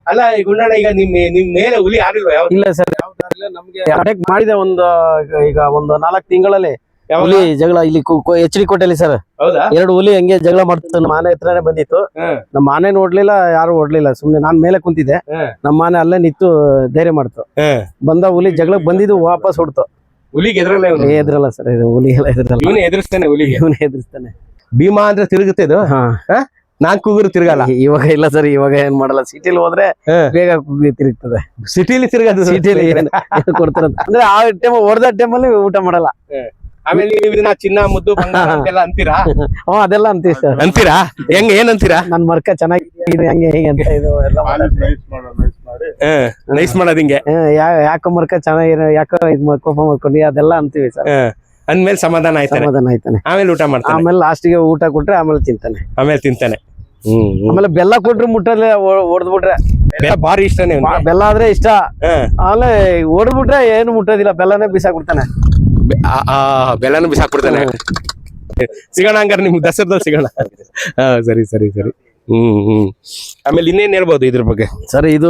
ಅಲ್ಲ ಈ ಗುಂಡಣ್ಣ, ಈಗ ನಿಮ್ ಮೇಲೆ ಹುಲಿ ಆಡಿಲ್ವಾ? ಇಲ್ಲ ಸರ್, ನಮ್ಗೆ ಅಟ್ಯಾಕ್ ಮಾಡಿದೆ ಈಗ ಒಂದು 4 ತಿಂಗಳಲ್ಲಿ ಹುಲಿ ಜಗಳ ಇಲ್ಲಿ HD ಕೋಟೆಯಲ್ಲಿ ಸರ್. ಹೌದಾ? 2 ಹುಲಿ ಹಂಗೆ ಜಗಳ ಮಾಡ್ತಿತ್ತು. ನಮ್ಮ ಆನೆ ಹತ್ರನೇ ಬಂದಿತ್ತು. ನಮ್ಮ ಆನೆ ನೋಡ್ಲಿಲ್ಲ, ಯಾರು ಓಡ್ಲಿಲ್ಲ. ಸುಮ್ನೆ ನಾನ್ ಮೇಲೆ ಕುಂತಿದ್ದೆ, ನಮ್ಮ ಆನೆ ಅಲ್ಲೇ ನಿಂತು ಧೈರ್ಯ ಮಾಡ್ತು. ಬಂದ ಹುಲಿ ಜಗಳಕ್ಕೆ ಬಂದಿದ್ದು ವಾಪಸ್ ಹೊಡ್ತು. ಹುಲಿಗೆ ಎದ್ರಲ್ಲ ಸರ್, ಇದು ಹುಲಿ ಎಲ್ಲ ಎದ್ರಲ್ಲ. ಇವನೇ ಎದುರಿಸ್ತಾನೆ ಹುಲಿಗೆ. ಇವನೇ ಎದುರಿಸ್ತಾನೆ. ಭೀಮಾ ಅಂದ್ರೆ ತಿರುಗುತ್ತೆ ಇದು. ನಾನ್ ಕೂಗುರು ತಿರ್ಗಲ್ಲ. ಇವಾಗ ಇಲ್ಲ ಸರ್, ಇವಾಗ ಏನ್ ಮಾಡಲ್ಲ. ಸಿಟಿಲಿ ಹೋದ್ರೆ ಬೇಗ ತಿರುಗ್ತದೆ. ಸಿಟಿಲಿ ತಿರ್ಗದು. ಸಿಟಿಲಿ ಕೊಡ್ತಾರ ಅಂದ್ರೆ ಆ ಟೈಮ್ ಹೊಡೆದ ಟೈಮಲ್ಲಿ ಊಟ ಮಾಡಲ್ಲ. ಆಮೇಲೆ ಇದನ್ನ ಚಿನ್ನ ಮುದ್ದು ಎಲ್ಲ ಅಂತೀರಾ? ಅದೆಲ್ಲ ಅಂತೀವಿ ಸರ್. ಅಂತೀರಾ? ಹೆಂಗ್ ಏನ್ ಅಂತೀರಾ? ನನ್ ಮರ್ಕ ಚೆನ್ನಾಗಿದೆ ಹಂಗೆ ಹೇಗೆ ಅಂತ ಇದು ಎಲ್ಲ ನೈಸ್ ಮಾಡೋದ್ ಹಿಂಗೆ. ಯಾಕೋ ಮರ್ಕ ಚೆನ್ನಾಗಿರೋ, ಯಾಕೋ ಕೋಪ ಮಾಡ್ಕೊಂಡು ಅದೆಲ್ಲ ಅಂತೀವಿ ಸರ್. ಅಂದ್ಮೇಲೆ ಸಮಾಧಾನ ಆಯ್ತಾನೆ. ಆಮೇಲೆ ಊಟ ಮಾಡ್ತಾನೆ. ಆಮೇಲೆ ಲಾಸ್ಟಿಗೆ ಊಟ ಕೊಟ್ರೆ ಆಮೇಲೆ ತಿಂತಾನೆ. ಆಮೇಲೆ ಬೆಲ್ಲ ಕೊಟ್ರೆ ಮುಟ್ಟಲ್ಲೇ ಹೊಡೆದ್ಬಿಟ್ರೆ ಬಾರಿ ಇಷ್ಟನೇ. ಬೆಲ್ಲ ಆದ್ರೆ ಇಷ್ಟ. ಆಮೇಲೆ ಹೊಡೆದ್ಬಿಟ್ರೆ ಏನು ಮುಟ್ಟೋದಿಲ್ಲ, ಬೆಲ್ಲನೇ ಬಿಸಾಕ್ಬಿಡ್ತಾನೆ. ಬೆಲ್ಲನು ಬಿಸಾಕ್ಬಿಡ್ತಾನೆ. ಸಿಗೋಣ ಹಂಗಾರೆ ನಿಮ್ಗೆ ದಸರಾದಲ್ಲಿ ಸಿಗೋಣ. ಸರಿ. ಆಮೇಲೆ ಇನ್ನೇನ್ ಹೇಳ್ಬೋದು ಇದ್ರ ಬಗ್ಗೆ? ಸರಿ, ಇದು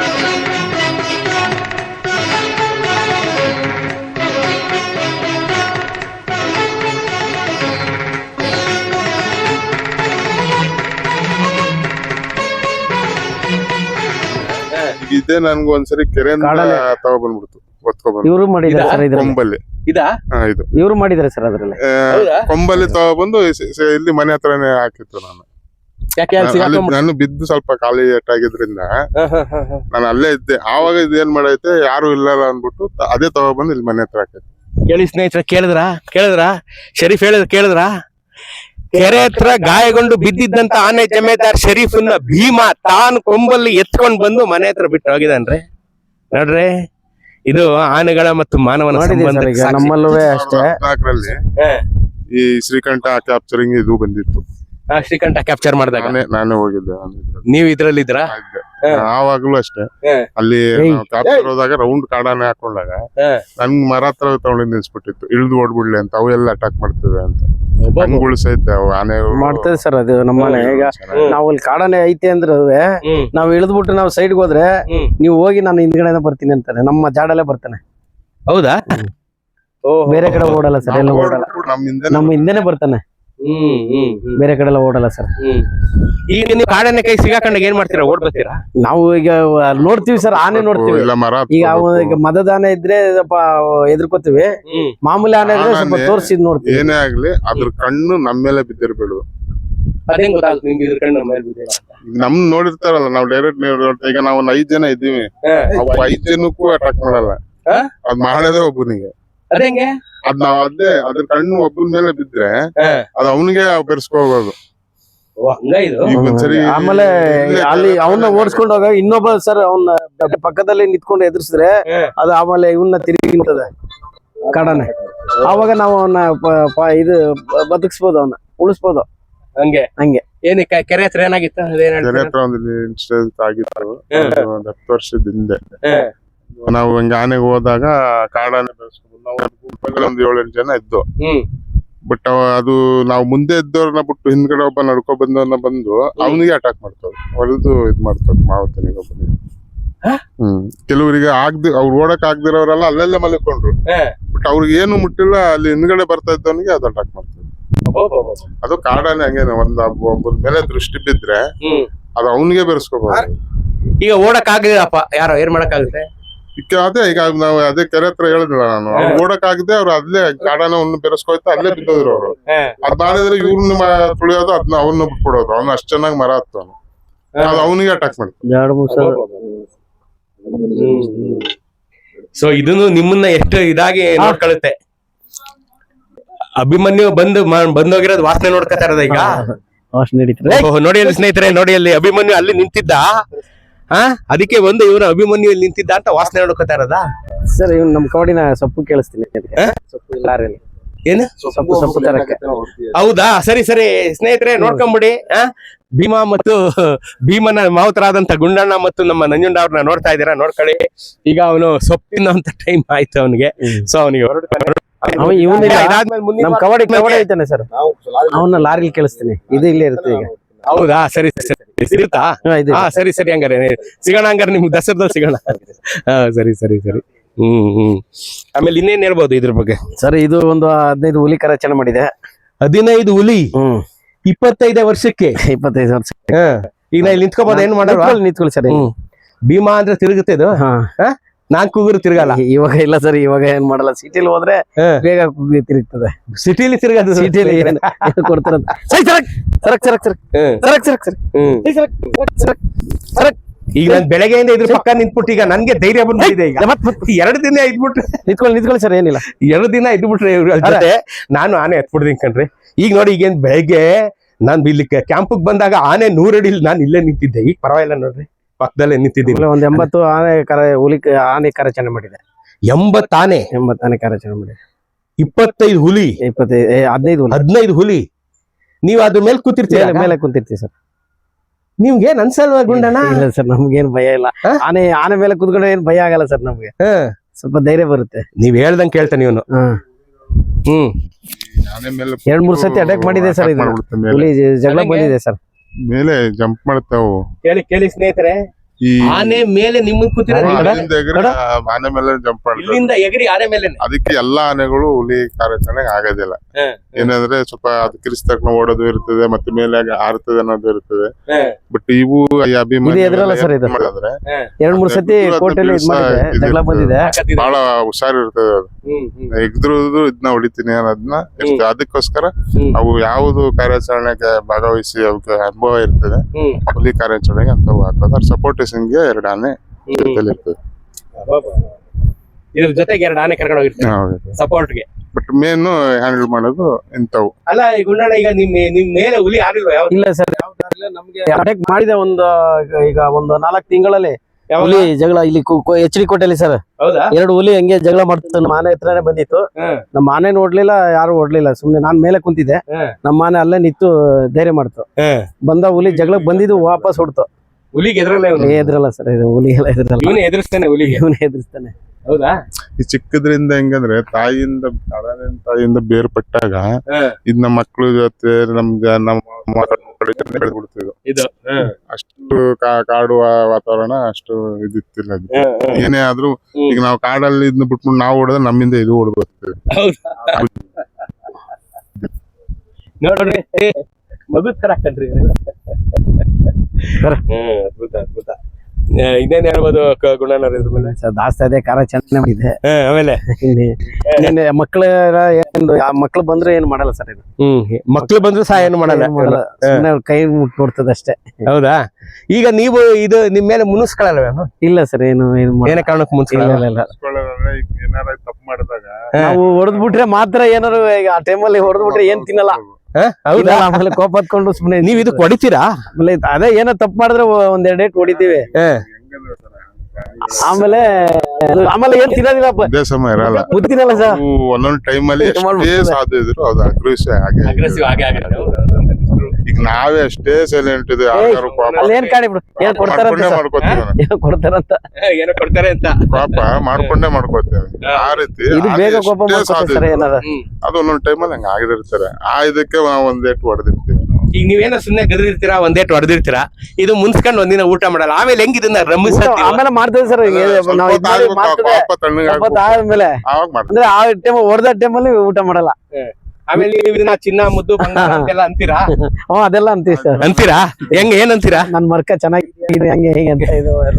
ಇದೇ ನನ್ಗೆ ಒಂದ್ಸರಿ ಕೆರೆಯಿಂದ ತಗೊಬಂದ್ಬಿಡ್ತು, ಇವರು ಮಾಡಿದ್ದಾರೆ ಸರ್. ಕೊಂಬಲ್ಲಿ ಇವರು ಮಾಡಿದ್ದಾರೆ ಸರ್. ಅದ್ರಲ್ಲಿ ಕೊಂಬಲ್ಲಿ ತಗೊಬಂದು ಇಲ್ಲಿ ಮನೆ ಹತ್ರನೇ ಹಾಕಿತ್ತು. ನಾನು ಬಿದ್ದು ಸ್ವಲ್ಪ ಖಾಲಿ ಏಟಾಗಿದ್ರಿಂದ ನಾನು ಅಲ್ಲೇ ಇದ್ದೆ. ಆವಾಗ ಇದೇನ್ ಮಾಡೈತೆ, ಯಾರು ಇಲ್ಲ ಅಂದ್ಬಿಟ್ಟು ಅದೇ ತಗೊಬಂದು ಇಲ್ಲಿ ಮನೆ ಹತ್ರ ಹಾಕೈತೆ. ಕೇಳಿ ಸ್ನೇಹಿತರ, ಕೇಳಿದ್ರ ಶರೀಫ್ ಕೇಳಿದ್ರ? ಕೆರೆ ಹತ್ರ ಗಾಯಗೊಂಡು ಬಿದ್ದಿದ್ದಂತ ಆನೆ ಜಮೇದಾರ್ ಶರೀಫನ್ನ ಭೀಮಾ ತಾನು ಕೊಂಬಲ್ಲಿ ಎತ್ಕೊಂಡ್ ಬಂದು ಮನೆ ಹತ್ರ ಬಿಟ್ಟು ಹೋಗಿದಾನ್ರಿ. ನೋಡ್ರಿ, ಇದು ಆನೆಗಳ ಮತ್ತು ಮಾನವನ ಸಂಬಂಧ. ನಮ್ಮಲ್ಲೂ ಅಷ್ಟೇ. 14ರಲ್ಲಿ ಈ ಶ್ರೀಕಂಠ ಕ್ಯಾಪ್ಚರಿಂಗ್ ಇದು ಬಂದಿತ್ತು. ಶ್ರೀಕಂಠ ಕ್ಯಾಪ್ಚರ್ ಮಾಡಿದಾಗ ನಾನೇ ಹೋಗಿದ್ದೆ. ನೀವ್ ಇದ್ರಲ್ಲಿ ಇದ್ರ? ಆವಾಗ್ಲೂ ಅಷ್ಟೇ. ಅಲ್ಲಿ ಕ್ಯಾಪ್ಚರ್ ಹೋದಾಗ ರೌಂಡ್ ಕಾಡಾನೆ ಹಾಕೊಂಡಾಗ ನನ್ ಮರ ಹತ್ರ ತಗೊಂಡು ನಿಲ್ಸ್ಬಿಟ್ಟಿತ್ತು, ಇಳ್ದು ಓಡ್ಬಿಡ್ಲಿ ಅಂತ. ಅವೆಲ್ಲ ಅಟ್ಯಾಕ್ ಮಾಡ್ತಿವೆ ಅಂತ ಸಹಿತ ಆನೆ ಮಾಡ್ತೇವೆ ಸರ್. ಅದು ನಮ್ಮನೆ ಈಗ ನಾವು ಅಲ್ಲಿ ಕಾಡಾನೆ ಐತೆ ಅಂದ್ರೆ ನಾವ್ ಇಳಿದ್ಬಿಟ್ಟು ನಾವು ಸೈಡ್ಗೆ ಹೋದ್ರೆ ನೀವು ಹೋಗಿ ನಾನು ಹಿಂದ್ಗಡೆ ಬರ್ತೀನಿ ಅಂತಾನೆ. ನಮ್ಮ ಜಾಡಲ್ಲೇ ಬರ್ತಾನೆ. ಹೌದಾ? ಬೇರೆ ಕಡೆ ಓಡಲ್ಲ ಸರ್, ಎಲ್ಲ ಓಡಲ್ಲ. ನಮ್ಮ ಹಿಂದೆನೆ ಬರ್ತಾನೆ, ಬೇರೆ ಕಡೆ ಎಲ್ಲ ಓಡಲ್ಲ ಸರ್. ಈಗ ನೀವು ಕಾಡಾನೆ ಕೈ ಸಿಗಾಕೊಂಡಾಗ ಏನ್ ಮಾಡ್ತೀರಾ? ಓಡ್ ಬರ್ತೀರಾ? ನಾವು ಈಗ ನೋಡ್ತೀವಿ ಸರ್, ಆನೆ ನೋಡ್ತೀವಿ. ಈಗ ಮದದ ಆನೆ ಇದ್ರೆ ಸ್ವಲ್ಪ ಎದುರ್ಕೋತೀವಿ. ಮಾಮೂಲಿ ಆನೆ ಇದ್ರೆ ಸ್ವಲ್ಪ ತೋರಿಸಿ ನೋಡ್ತೀವಿ. ಏನೇ ಆಗ್ಲಿ ಅದ್ರ ಕಣ್ಣು ನಮ್ಮ ಮೇಲೆ ಬಿದ್ದಿರ್ಬೇಡು. ನಮ್ ನೋಡಿರ್ತಾರಲ್ಲ, ನಾವು ಡೈರೆಕ್ಟ್ ಈಗ ನಾವು 5 ಜನ ಇದ್ದೀವಿ, 5 ಜನಕ್ಕೂ ಅಟ್ಯಾಕ್ ಮಾಡಲ್ಲ. ಅದ್ ಮಾಡೋದೇ ಒಬ್ಬನಿಗೆ. ಅದ್ ನಾವ್ ಅದ್ರ ಕಣ್ಣು ಒಬ್ಬನ ಮೇಲೆ ಬಿದ್ರೆ ಅದ್ ಅವನಿಗೆ ಬೆರೆಸ್ಕೋಬಹುದು. ಆಮೇಲೆ ಅಲ್ಲಿ ಅವನ್ನ ಓಡಿಸ್ಕೊಂಡು ಹೋಗ ಇನ್ನೊಬ್ಬ ಸರ್ ಅವನ್ನ ಪಕ್ಕದಲ್ಲಿ ನಿಂತ್ಕೊಂಡು ಎದುರಿಸಿದ್ರೆ ಅದು ಆಮೇಲೆ ಇವನ್ನ ತಿರುಗಿ ನಿಂತದೆ ಕಾಡಾನೆ. ಆವಾಗ ನಾವು ಅವನ್ನ ಇದು ಬದುಕಿಸ್ಬೋದು, ಅವನ್ನ ಉಳಿಸ್ಬೋದು. ಹಂಗೆ ಏನಕ್ಕೆ ಕೆರೆ ಹತ್ರ ಏನಾಗಿತ್ತು? ಕೆರೆ ಹತ್ರ ಒಂದು ಇನ್ಸಿಡೆಂಟ್ ಆಗಿತ್ತು 10 ವರ್ಷದ ಹಿಂದೆ. ನಾವು ಹಂಗೆ ಆನೆಗೆ ಹೋದಾಗ ಕಾಡಾನೆ ಬೆಳೆಸ್ಕೊಂಡು ನಾವು ಒಂದು 7-8 ಜನ ಇದ್ದು. ಬಟ್ ಅದು ನಾವು ಮುಂದೆ ಇದ್ದವ್ರನ್ನ ಬಿಟ್ಟು ಹಿಂದ್ಗಡೆ ಒಬ್ಬ ನಡ್ಕೊ ಬಂದವನ್ನ ಬಂದು ಅವನಿಗೆ ಅಟ್ಯಾಕ್ ಮಾಡ್ತವ್ರು, ಹೊಡೆದು ಇದ್ ಮಾಡ್ತವ್ರು ಮಾವತನಿಗೆ ಒಬ್ಬನಿಗೆ. ಕೆಲವರಿಗೆ ಅವ್ರು ಓಡಕ್ ಆಗ್ದಿರೋರೆಲ್ಲ ಅಲ್ಲೆಲ್ಲ ಮಲ್ಕೊಂಡ್ರು. ಬಟ್ ಅವ್ರಿಗೆ ಏನು ಮುಟ್ಟಿಲ್ಲ, ಅಲ್ಲಿ ಹಿಂದ್ಗಡೆ ಬರ್ತಾ ಇದ್ದವನಿಗೆ ಅದು ಅಟ್ಯಾಕ್ ಮಾಡ್ತವ್ರು. ಅದು ಕಾಡಾನೆ ಹಂಗೇನೆ, ಒಬ್ಬರ ಮೇಲೆ ದೃಷ್ಟಿ ಬಿದ್ರೆ ಅದು ಅವನಿಗೆ ಬೆರೆಸ್ಕೋಬಹುದು. ಈಗ ಓಡಕ್ ಆಗಿಲ್ಲಪ್ಪ, ಯಾರೋ ಏನ್ ಮಾಡಕ್ ಆಗುತ್ತೆ? ಈಗ ನಾವು ಅದೇ ಕೆರೆ ಹತ್ರ ಹೇಳಿದ್ರಲ್ಲ ನಾನು, ಅವ್ರು ಓಡಕ್ ಆಗದೆ ಅವ್ರು ಅಲ್ಲೇ ಕಾಡಾನೆ ಅವ್ನ ಬೆರೆಸ್ಕೋಯ್ತಾ ಅಲ್ಲೇ ಬಿದ್ದೋದ್ರು ಅವ್ರು. ಅದ್ ಮಾಡಿದ್ರೆ ಇವ್ರನ್ನ ತುಳಿಯೋದು, ಅದನ್ನ ಅವನ್ನ ಬಿಟ್ಬಿಡೋದು. ಅವ್ನ ಅಷ್ಟ್ ಚೆನ್ನಾಗಿ ಮರ ಹತ್ತವನು, ಅದು ಅವನಿಗೆ ಅಟ್ಯಾಕ್ ಮಾಡ್ತಾನೆ. ಸೊ ಇದನ್ನು ನಿಮ್ಮನ್ನ ಎಷ್ಟು ಇದಾಗಿ ನೋಡ್ಕೊಳ್ಳುತ್ತೆ. ಅಭಿಮನ್ಯು ಬಂದೋಗಿರೋದು ವಾಸನೆ ನೋಡ್ಕೊತಾ ಇರೋದ ಈಗ. ನೋಡಿ ಅಲ್ಲಿ ಸ್ನೇಹಿತರೆ, ನೋಡಿ ಅಲ್ಲಿ ಅಭಿಮನ್ಯು ಅಲ್ಲಿ ನಿಂತಿದ್ದ. ಅದಕ್ಕೆ ಇವ್ರು ಅಭಿಮನ್ಯು ಇಲ್ಲಿ ನಿಂತಿದ್ದ ಅಂತ ವಾಸನೆ ನೋಡ್ಕೊತಾ ಇರೋದಾ ಸರ್? ಇವ್ನು ನಮ್ ಕವಡಿನ ಸೊಪ್ಪು ಕೇಳಿಸ್ತೀನಿ. ಏನು ಸೊಪ್ಪು ತರಕ್ಕೆ? ಹೌದಾ? ಸರಿ ಸ್ನೇಹಿತರೆ, ನೋಡ್ಕೊಂಬಿಡಿ. ಭೀಮಾ ಮತ್ತು ಭೀಮನ ಮಾವುತರಾದಂತ ಗುಂಡಣ್ಣ ಮತ್ತು ನಮ್ಮ ನಂಜುಂಡ ಅವ್ರನ್ನ ನೋಡ್ತಾ ಇದ್ದೀರಾ, ನೋಡ್ಕೊಳ್ಳಿ. ಈಗ ಅವನು ಸೊಪ್ಪಿನ ಅಂತ ಟೈಮ್ ಆಯ್ತು ಅವನಿಗೆ. ಸೊ ಅವನಿಗೆ ನಮ್ ಕವಡಿ ಐತಾನೆ ಸರ್, ಅವನ್ನ ಲಾರಿಲಿ ಕೇಳಿಸ್ತೀನಿ. ಇದು ಇಲ್ಲೇ ಇರುತ್ತೆ. ಈಗ ಹೌದಾ ಸರಿ ಸರಿ ಸಿಗುತ್ತಾ ಇದೆ ಹಾ ಸರಿ ಸರಿ ಹಂಗಾರೆ ಸಿಗೋಣ ಹಂಗಾರೆ ನಿಮ್ಗೆ ದಸರಾದಲ್ಲಿ ಸಿಗೋಣ ಹಾ ಸರಿ ಸರಿ ಸರಿ ಆಮೇಲೆ ಇನ್ನೇನ್ ಹೇಳ್ಬೋದು ಇದ್ರ ಬಗ್ಗೆ ಸರ್. ಇದು ಒಂದು 15 ಹುಲಿ ಕಾರ್ಯಾಚರಣೆ ಮಾಡಿದೆ. 15 ಹುಲಿ 25 ವರ್ಷಕ್ಕೆ 25 ವರ್ಷ. ಈಗ ನಾ ಇಲ್ಲಿ ನಿಂತ್ಕೋಬೋದು ಏನ್ ಮಾಡಲ್ವಾ ನಿಂತ್ಕೊಳ್ಳಿ ಸರ್. ಭೀಮಾ ಅಂದ್ರೆ ತಿರುಗುತ್ತೆ ಇದು ನಾನ್ ಕೂಗುರು ತಿರ್ಗಲ್ಲ ಇವಾಗ ಇಲ್ಲ ಸರ್, ಇವಾಗ ಏನ್ ಮಾಡಲ್ಲ. ಸಿಟಿಲಿ ಹೋದ್ರೆ ಬೇಗ ತಿರುಗ್ತದೆ. ಸಿಟಿಲಿ ತಿರ್ಗದು ಸಿಟಿಲಿ ಕೊಡ್ತಾರ. ಈಗ ನನ್ ಬೆಳಗ್ಗೆಯಿಂದ ಇದ್ರ ಪಕ್ಕ ನಿಂತ್ಬಿಟ್ಟು ಈಗ ನನ್ಗೆ ಧೈರ್ಯ ಬಂದ್ಬಿಟ್ಟಿದೆ. ಈಗ 2 ದಿನ ಇದ್ಬಿಟ್ರೆ ನಿಂತ್ಕೊಳ್ಳಿ ಸರ್, ಏನಿಲ್ಲ. 2 ದಿನ ಇದ್ಬಿಟ್ರೆ ಇವ್ರ ಜೊತೆ ನಾನು ಆನೆ ಎತ್ಬಿಡ್ತೀನಿ ಕಣ್ರಿ. ಈಗ ನೋಡಿ ಈಗೇನ್ ಬೆಳಗ್ಗೆ ನಾನ್ ಇಲ್ಲಿ ಕ್ಯಾಂಪಿಗೆ ಬಂದಾಗ ಆನೆ 100 ಅಡಿ ನಾನು ಇಲ್ಲೇ ನಿಂತಿದ್ದೆ. ಈಗ ಪರವಾಗಿಲ್ಲ ನೋಡ್ರಿ, ಪಕ್ಕದಲ್ಲೇ ನಿಂತಿದ್ದೀನಿ. ಒಂದ್ 80 ಆನೆ ಕಾರ್ಯಾಚರಣೆ ಮಾಡಿದೆ. 80 ಆನೆ 80 ಆನೆ ಕಾರ್ಯಾಚರಣೆ ಮಾಡಿದೆ. 25 ಹುಲಿ 15 ಹುಲಿ. ನೀವ್ ಅದ್ರ ಮೇಲೆ ಕೂತಿರ್ತೀರ, ಮೇಲೆ ಕುಂತಿರ್ತೀವಿ ಸರ್. ನಿಮ್ಗೆ ಏನ್ ಅನ್ಸಲ್ವಾ ಗುಂಡಣ್ಣ? ಇಲ್ಲ ಸರ್, ನಮ್ಗೇನ್ ಭಯ ಇಲ್ಲ. ಆನೆ ಮೇಲೆ ಕುತ್ಕೊಂಡ್ರೆ ಏನ್ ಭಯ ಆಗಲ್ಲ ಸರ್. ನಮ್ಗೆ ಸ್ವಲ್ಪ ಧೈರ್ಯ ಬರುತ್ತೆ. ನೀವ್ ಹೇಳ್ದಂಗ್ ಕೇಳ್ತಾನೆ ಇವನು. ಆನೆ ಮೇಲೆ 2-3 ಸತಿ ಅಟ್ಯಾಕ್ ಮಾಡಿದೆ ಸರ್. ಇದು ಹುಲಿ ಜಗಳ ಬಂದಿದೆ ಸರ್. ಮೇಲೆ ಜಂಪ್ ಮಾಡ್ತಾವು. ಕೇಳಿ ಸ್ನೇಹಿತರೆ, ಈ ಆನೆ ಮೇಲೆ ನಿಮ್ಮನ್ ಕೂತಿರ ಆನೆ ಮೇಲೆ ಜಂಪ್ ಮಾಡ್ತಾರೆ. ಇಲ್ಲಿಂದ ಎಗರಿ ಆನೆ ಮೇಲೆ. ಅದಕ್ಕೆ ಎಲ್ಲಾ ಆನೆಗಳು ಹುಲಿ ಕಾರ್ಯಾಚರಣೆಗೆ ಆಗೋದಿಲ್ಲ. ಏನಂದ್ರೆ ಸ್ವಲ್ಪ ಅದು ಕಿರಿಸ್ ತಕ್ಷಣ ಓಡೋದು ಇರ್ತದೆ, ಮತ್ತೆ ಮೇಲೆ ಹಾರ್ತದೆ ಅನ್ನೋದು ಇರ್ತದೆ. ಬಟ್ ಇವು ಎದ್ರಲ್ಲ ಸರ್. ಇದು ಮಾಡಿದ್ರೆ 2-3 ಸತಿ ಕೋರ್ಟಲ್ಲಿ ಜಗಳ ಬಂದಿದೆ. ಬಹಳ ಹುಷಾರಿರ್ತದೆ. ಅದು ಎಗ್ದ್ರದು ಇದನ್ನ ಹೊಡಿತೀನಿ ಅನ್ನೋದನ್ನ ಇರ್ತದೆ. ಅದಕ್ಕೋಸ್ಕರ ಅವು ಯಾವುದು ಕಾರ್ಯಾಚರಣೆಗೆ ಭಾಗವಹಿಸಿ ಅವಕ್ಕೆ ಅನುಭವ ಇರ್ತದೆ, ಹುಲಿ ಕಾರ್ಯಾಚರಣೆಗೆ ಅಂತ ಹಾಕೋದು. ಸಪೋರ್ಟ್ ಗೆ 2 ಆನೆ ಇರ್ತದೆ. ಇದ್ರ ಜೊತೆಗೆ 2 ಆನೆ ಕರ್ಕೊಂಡು ಹೋಗಿರ್ತಾರೆ ಸಪೋರ್ಟ್ಗೆ. ಬಟ್ ಮೇನ್ ಹ್ಯಾಂಡಲ್ ಮಾಡೋದು ಇಂಥವು. ಅಲ್ಲ ಈ ಗುಂಡಣ್ಣ, ಈಗ ನಿಮ್ ಮೇಲೆ ಹುಲಿ ಆಡಿಲ್ವಾ? ಇಲ್ಲ ಸರ್, ನಮ್ಗೆ ಅಟ್ಯಾಕ್ ಮಾಡಿದೆ ಈಗ ಒಂದು 4 ತಿಂಗಳಲ್ಲಿ ಹುಲಿ ಜಗಳ ಇಲ್ಲಿ HD ಕೋಟೆಯಲ್ಲಿ ಸರ್. ಹೌದಾ? 2 ಹುಲಿ ಹಂಗೆ ಜಗಳ ಮಾಡ್ತಿತ್ತು. ನಮ್ಮ ಆನೆ ಹತ್ರನೇ ಬಂದಿತ್ತು. ನಮ್ಮ ಆನೆ ನೋಡ್ಲಿಲ್ಲ, ಯಾರು ಓಡ್ಲಿಲ್ಲ. ಸುಮ್ನೆ ನಾನ್ ಮೇಲೆ ಕುಂತಿದ್ದೆ. ನಮ್ಮ ಆನೆ ಅಲ್ಲೇ ನಿಂತು ಧೈರ್ಯ ಮಾಡ್ತು. ಬಂದ ಹುಲಿ ಜಗಳಕ್ಕೆ ಬಂದಿದ್ದು ವಾಪಸ್ ಹೊಡ್ತು. ಹುಲಿಗೆ ಎದ್ರಲ್ಲ ಸರ್. ಇದು ಹುಲಿ ಎಲ್ಲ ಎದ್ರಲ್ಲ. ಇವನೇ ಎದುರಿಸ್ತಾನೆ ಹುಲಿಗೆ. ಇವನೇ ಎದುರಿಸ್ತಾನೆ. ಹೌದಾ? ಈ ಚಿಕ್ಕದ್ರಿಂದ ಹೆಂಗಂದ್ರೆ ತಾಯಿಯಿಂದ ಬೇರ್ಪಟ್ಟಾಗ ಇದ್ ನಮ್ಮ ಮಕ್ಳ ಜೊತೆ ನಮ್ಮ ಬೆಳೆದ್ಬಿಡ್ತಿದ್ವು. ಅಷ್ಟು ಕಾಡು ವಾತಾವರಣ ಅಷ್ಟು ಇದಿತ್ತಿಲ್ಲ. ಏನೇ ಆದ್ರೂ ಈಗ ನಾವು ಕಾಡಲ್ಲಿ ಇದನ್ನ ಬಿಟ್ಬಿಟ್ಟು ನಾವು ಹೊಡೆದ್ರೆ ನಮ್ಮಿಂದ ಇದು ಹೊಡೆದು ಬರ್ತದೆ. ನೋಡ್ರಿ ಮಗು ತರ ಕಣ್ರಿ. ಅದ್ಭುತ. ಇನ್ನೇನ್ ಹೇಳ್ಬೋದು ಗುಣನವ್ರ ಇದ್ರ ಮೇಲೆ? ಜಾಸ್ತಿ ಅದೇ ಕಾರ್ಯಾಚರಣೆ ಮಾಡಿದೆ. ಆಮೇಲೆ ಮಕ್ಳು ಬಂದ್ರೆ ಏನ್ ಮಾಡಲ್ಲ ಸರ್. ಇದು ಮಕ್ಳು ಬಂದ್ರು ಸಹ ಏನು ಮಾಡಲ್ಲ. ಕೈ ಮುಟ್ ನೋಡ್ತದ ಅಷ್ಟೇ. ಹೌದಾ? ಈಗ ನೀವು ಇದು ನಿಮ್ ಮೇಲೆ ಮುನಿಸ್ಕೊಳ್ಳಲ್ವೇನು? ಇಲ್ಲ ಸರ್, ಏನೇ ಕಾರಣಕ್ಕೆ ಮುನಿಸ್ಕೊಳ್ಳಲ್ಲ. ಏನಾರ ತಪ್ಪು ಮಾಡಿದಾಗ ನಾವು ಹೊಡೆದ್ಬಿಟ್ರೆ ಮಾತ್ರ ಏನಾರು. ಆ ಟೈಮಲ್ಲಿ ಹೊಡೆದ್ಬಿಟ್ರೆ ಏನ್ ತಿನ್ನಲ್ಲ. ಹೌದಾ? ಆಮೇಲೆ ಕೋಪ ಹತ್ಕೊಂಡು ಸುಮ್ನೆ ನೀವ್ ಇದಕ್ ಹೊಡಿತೀರಾ? ಆಮೇಲೆ ಅದೇ ಏನೋ ತಪ್ಪು ಮಾಡಿದ್ರೆ 1-2 ಡೇಟ್ ಹೊಡಿತೀವಿ. ಆಮೇಲೆ ಏನ್ ತಿನ್ನೋದಿಲ್ಲ. ಅದೇ ಸಮಯ ಇರಲ್ಲ, ಗೊತ್ತಿರಲ್ಲ ಸರ್. ಒಂದೊಂದ್ ಟೈಮ್ ಅಲ್ಲಿ ಸಾಧ್ಯ ಇದ್ರು ಅದು ಅಗ್ರೆಸಿವ್ ಹಾಗೆ ಈಗ ನಾವೇ ಅಷ್ಟೇ ಸೈಲೆಂಟ್ ಇದೆ. ಏನ್ ಕಾಣಿ ಬಿಡು, ಏನ್ ಕೊಡ್ತಾರಂತ ಏನೋ ಕೊಡ್ತಾರೆ ಅಂತ ಪಾಪ ಮಾಡ್ಕೊಂಡೇ ಮಾಡ್ಕೋತೇವೆ. ಆ ರೀತಿ ಇದು ಬೇಗ ಕೋಪ ಮಾಡ್ಕೊತಾರೆ ಏನಾರ. ಅದು ಒಂದೊಂದ್ ಟೈಮಲ್ಲಿ ಹಂಗ ಆಗಿರ್ತಾರೆ. ಆ ಇದಕ್ಕೆ ನಾವು 1 ಏಟು ಹೊಡೆದಿರ್ತೀವಿ. ಈಗ ನೀವೇನೋ ಸುಮ್ನೆ ಗದ್ರಿರ್ತೀರಾ, 1 ಏಟು ಹೊಡೆದಿರ್ತೀರಾ, ಇದು ಮುನ್ಸ್ಕೊಂಡ್ ಒಂದಿನ ಊಟ ಮಾಡಲ್ಲ. ಆಮೇಲೆ ಹೆಂಗ್ ಇದನ್ನ ಆಮೇಲೆ ಮಾಡ್ತೇವೆ ಸರ್. ಆದ್ಮೇಲೆ ಅಂದ್ರೆ ಆ ಟೈಮ್ ಹೊಡೆದ ಟೈಮಲ್ಲಿ ಊಟ ಮಾಡಲ್ಲ. ಆಮೇಲೆ ನೀವು ಇದನ್ನ ಚಿನ್ನ ಮುದ್ದು ಅಂತೀರಾ? ಅದೆಲ್ಲ ಅಂತೀವಿ ಸರ್. ಅಂತೀರಾ? ಏನ್ ಅಂತೀರಾ? ನನ್ ಮರ್ಕ ಚೆನ್ನಾಗಿದೆ ಹಂಗೆ ಹೇಗೆ ಅಂತ ಇದು ಎಲ್ಲ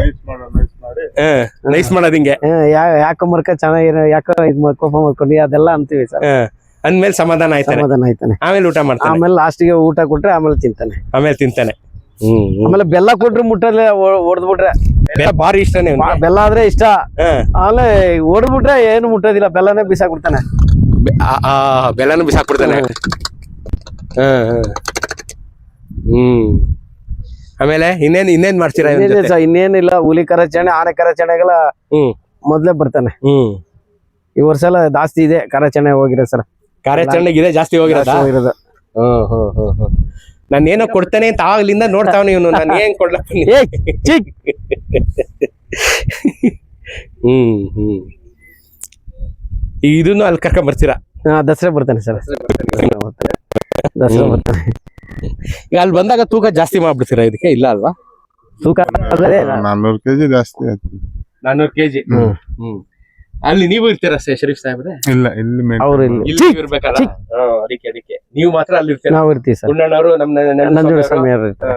ನೈಸ್ ಮಾಡೋದ್ ಹಿಂಗೆ. ಯಾಕೋ ಮರ್ಕ ಚೆನ್ನಾಗಿರೋ, ಯಾಕೋ ಕೋಪ ಮಾಡ್ಕೊಂಡಿ ಅದೆಲ್ಲ ಅಂತೀವಿ ಸರ್. ಅಂದ್ಮೇಲೆ ಸಮಾಧಾನ ಆಯ್ತಾನೆ. ಆಮೇಲೆ ಊಟ ಮಾಡ್ತಾನೆ. ಆಮೇಲೆ ಲಾಸ್ಟಿಗೆ ಊಟ ಕೊಟ್ರೆ ಆಮೇಲೆ ತಿಂತಾನೆ. ಆಮೇಲೆ ಬೆಲ್ಲ ಕೊಟ್ರೆ ಮುಟ್ಟಲ್ಲ. ಹೊಡೆದ್ಬಿಟ್ರೆ ಬಾರಿ ಇಷ್ಟನೇ. ಬೆಲ್ಲ ಆದ್ರೆ ಇಷ್ಟ. ಆಮೇಲೆ ಹೊಡೆದ್ಬಿಟ್ರೆ ಏನು ಮುಟ್ಟೋದಿಲ್ಲ, ಬೆಲ್ಲನೇ ಬಿಸಾಕ್ಬಿಡ್ತಾನೆ. ಬೆಲ್ಲನು ಬಿಸಾಕ್ಬಿಡ್ತಾನೆ. ಆಮೇಲೆ ಇನ್ನೇನ್ ಮಾಡ್ತೀರಾ? ಇನ್ನೇನಿಲ್ಲ, ಹುಲಿ ಕಾರ್ಯಾಚರಣೆ, ಆನೆ ಕಾರ್ಯಾಚರಣೆಗಳ ಮೊದ್ಲೇ ಬರ್ತಾನೆ. ಈ ವರ್ಷ ಎಲ್ಲ ಜಾಸ್ತಿ ಇದೆ ಕಾರ್ಯಾಚರಣೆ ಹೋಗಿರೋ ಸರ್. ಕಾರ್ಯಾಚರಣೆಗೆ ಇದೆ ಜಾಸ್ತಿ ಹೋಗಿರೋದು. ನಾನೇನೋ ಕೊಡ್ತಾನೆ ಅಂತ ಆಗ್ಲಿಂದ ನೋಡ್ತಾವನ ಇವನು. ನಾನು ಏನ್ ಕೊಡ್ಲಪ್ಪ. ಇದನ್ನು ಅಲ್ಲಿ ಕರ್ಕೊಂಡ್ ಬರ್ತೀರಾ? ದಸರಾ ಬರ್ತಾನೆ ಸರ್. ದಸರಾ ಬರ್ತಾನೆ. ಈಗ ಅಲ್ಲಿ ಬಂದಾಗ ತೂಕ ಜಾಸ್ತಿ ಮಾಡ್ಬಿಡ್ತೀರಾ ಇದಕ್ಕೆ ಇಲ್ಲ ಅಲ್ವಾ? ತೂಕ ಅದೇ 400 kg ಜಾಸ್ತಿ ಆಯ್ತು. 400 kg. ಅಲ್ಲಿ ನೀವು ಇರ್ತೀರಾ ಶರೀಫ್ ಸಾಹೇಬ್ರೆ? ಇಲ್ಲ ಇಲ್ಲಿ ಅವ್ರು ಇಲ್ಲಿ ಇಲ್ಲಿ ನೀವ್ ಇರ್ಬೇಕಲ್ಲ? ಅದಕ್ಕೆ ನೀವು ಮಾತ್ರ ಅಲ್ಲಿ ಇರ್ತೀರಾ? ನಾವು ಇರ್ತೀವಿ ಸರ್. ಗುಂಡಣ್ಣವರು ನಂಜುಂಡ ಸ್ವಾಮಿ ಅವ್ರು ಇರ್ತಾರೆ.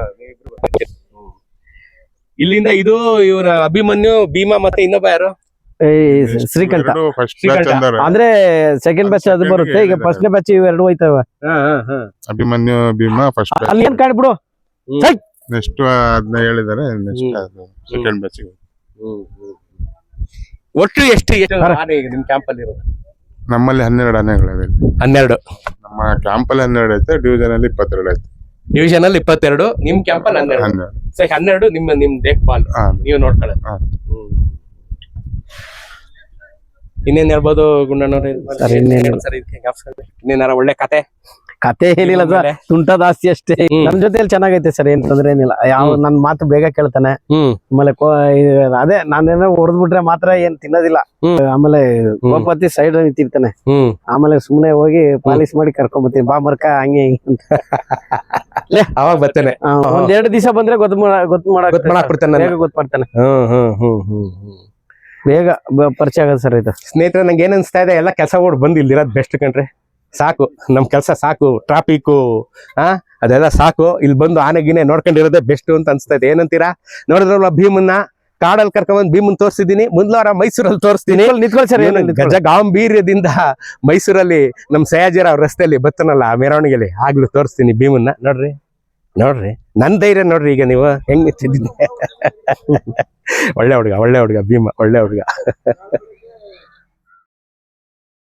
ಇಲ್ಲಿಂದ ಇದು ಇವರ ಅಭಿಮನ್ಯು, ಭೀಮಾ ಮತ್ತೆ ಇನ್ನೊಬ್ಬ ಯಾರು? ಶ್ರೀಕಂಠ. ಫಸ್ಟ್ ಶ್ರೀಕಂಠ. ಬ್ಯಾಚ್ ಅಂದಾರೆ. ಅಂದ್ರೆ ಸೆಕೆಂಡ್ ಬ್ಯಾಚ್ ಅದು ಬರುತ್ತೆ. ಈಗ ಫಸ್ಟ್ ಬ್ಯಾಚ್ ಇವೆರಡು ಹೋಯ್ತವ. Abhimanyu Bhima first batch. ಅಲ್ಲಿ ಏನ್ ಕಾಣ್ಬಿಡು. ನೆಕ್ಸ್ಟ್ ಅದನ್ನ ಹೇಳಿದಾರೆ. Next second batch. ಒಟ್ಟು ಎಷ್ಟು ಆನೆ ಈಗ ನಿಮ್ ಕ್ಯಾಂಪ್ ಅಲ್ಲಿ ಇರೋದು? ನಮ್ಮಲ್ಲಿ 12 ಆನೆಗಳಿವೆ. 12. ನಮ್ಮ ಕ್ಯಾಂಪ್ ಅಲ್ಲಿ 12 ಐತೆ, ಡಿವಿಷನ್ ಅಲ್ಲಿ 22 ಐತೆ. ಡಿವಿಷನ್ ಅಲ್ಲಿ 22, ನಿಮ್ ಕ್ಯಾಂಪ್ ಅಲ್ಲಿ 12. 12. ಸೊ 12 ನಿಮ್ ದೇಖ್ಪಾಲ್ ಹಾ. ನೀವು ನೋಡ್ಕೊಳ್ಳೋದು. ಹಾ. ಇನ್ನೇನ್ ಹೇಳ್ಬೋದು ಗುಂಡಣ್ಣವ್ರೆ? ಸರ್, ಇನ್ನೇನು? ಇನ್ನೇನಾರ ಒಳ್ಳೆ ಕತೆ ಏನಿಲ್ಲ ಸರ್, ತುಂಟದ ಆಸ್ತಿ ಅಷ್ಟೇ. ನಮ್ ಜೊತೆಲಿ ಚೆನ್ನಾಗೈತೆ ಸರ್, ಏನ್ ತೊಂದ್ರೆ ಏನಿಲ್ಲ. ಯಾವ ನನ್ ಮಾತು ಬೇಗ ಕೇಳ್ತಾನೆ. ಆಮೇಲೆ ಅದೇ ನಾನೇನೋ ಹೊಡೆದ್ಬಿಟ್ರೆ ಮಾತ್ರ ಏನ್ ತಿನ್ನೋದಿಲ್ಲ. ಆಮೇಲೆ ಗೋಪತಿ ಸೈಡ್ ನಿಂತಿರ್ತಾನೆ. ಆಮೇಲೆ ಸುಮ್ನೆ ಹೋಗಿ ಪಾಲಿಶ್ ಮಾಡಿ ಕರ್ಕೊಂಡ್ ಬರ್ತೀನಿ, ಬಾ ಮರ್ಕ ಹಂಗೆ ಹಿಂಗೆ ಅಂತ. ಅವಾಗ ಬರ್ತೇನೆ. ಒಂದ್ 2 ದಿವಸ ಬಂದ್ರೆ ಗೊತ್ತು ಮಾಡಾಕ್ಬಿಡ್ತಾನೆ. ಬೇಗ ಗೊತ್ತಾಡ್ತಾನೆ. ಬೇಗ ಪರಿಚಯ ಆಗದ ಸರ್ ಇದು. ಸ್ನೇಹಿತರೆ, ನಂಗೆ ಏನ್ ಅನ್ಸ್ತಾ ಇದೆ, ಎಲ್ಲ ಕೆಲಸ ಓಡ್ ಬಂದು ಇಲ್ಲಿರೋದು ಬೆಸ್ಟ್ ಕಣ್ರಿ. ಸಾಕು, ನಮ್ ಕೆಲಸ ಸಾಕು. ಟ್ರಾಫಿಕ್ ಅದೆಲ್ಲ ಸಾಕು. ಇಲ್ಲಿ ಬಂದು ಆನೆಗಿನೇ ನೋಡ್ಕೊಂಡಿರೋದೇ ಬೆಸ್ಟ್ ಅಂತ ಅನ್ಸ್ತಾ ಇದೆ. ಏನಂತೀರಾ? ನೋಡಿದ್ರಲ್ಲ, ಭೀಮನ್ನ ಕಾಡಲ್ಲಿ ಕರ್ಕೊಂಡ್ ಭೀಮನ್ ತೋರಿಸಿದೀನಿ. ಮುಂದ್ವಾರ ಮೈಸೂರಲ್ಲಿ ತೋರಿಸ್ತೀನಿ. ನಿಂತ್ಕೊಳ್ಳಿ ಸರ್. ಗಜ ಗಾಂಭೀರ್ಯದಿಂದ ಮೈಸೂರಲ್ಲಿ ನಮ್ ಸಯಾಜಿರಾವ್ ರಸ್ತೆಯಲ್ಲಿ ಬತ್ತನಲ್ಲ ಆ ಮೆರವಣಿಗೆಲಿ, ಆಗ್ಲೂ ತೋರಿಸ್ತೀನಿ ಭೀಮನ್ನ. ನೋಡ್ರಿ ನನ್ ಧೈರ್ಯ ನೋಡ್ರಿ. ಈಗ ನೀವು ಹೆಂಗ್ ನಿಂತಿದ್ದೀನಿ. ಒಳ್ಳೆ ಹುಡುಗ ಭೀಮ, ಒಳ್ಳೆ ಹುಡುಗ.